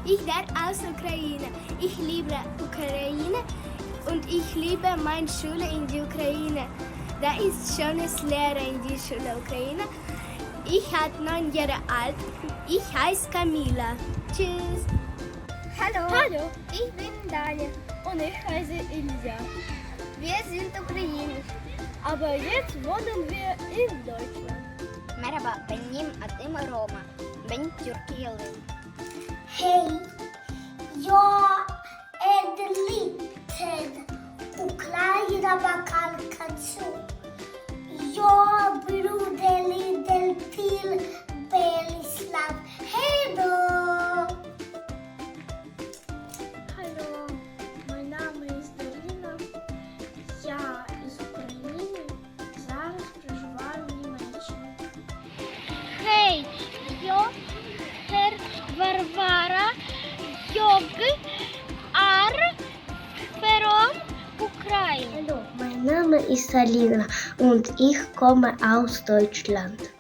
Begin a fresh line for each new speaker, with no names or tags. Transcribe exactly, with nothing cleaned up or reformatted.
Ich werde aus Ukraine. Ich liebe Ukraine und ich liebe meine Schule in der Ukraine. Da ist schönes Lehrer in der Schule Ukraine. Ich bin neun Jahre alt. Ich heiße Camila. Tschüss.
Hallo.
Hallo.
Ich bin Dalia.
Und ich heiße Ilja.
Wir sind ukrainisch.
Aber jetzt wohnen wir in Deutschland.
Merhaba, benim adım Roma. Ben Türkiye'liyim.
Hey, jag är liten Ukraina bakalkatsu. Jag bor liten till Belislav. Hej då!
Hallo, mein Name ist Darina. Я із України. Зараз проживаю в Німеччині.
Hej, jag heter Varvara. Jag är från Ukraina.
Hallo, mein Name ist Alina und ich komme aus Deutschland.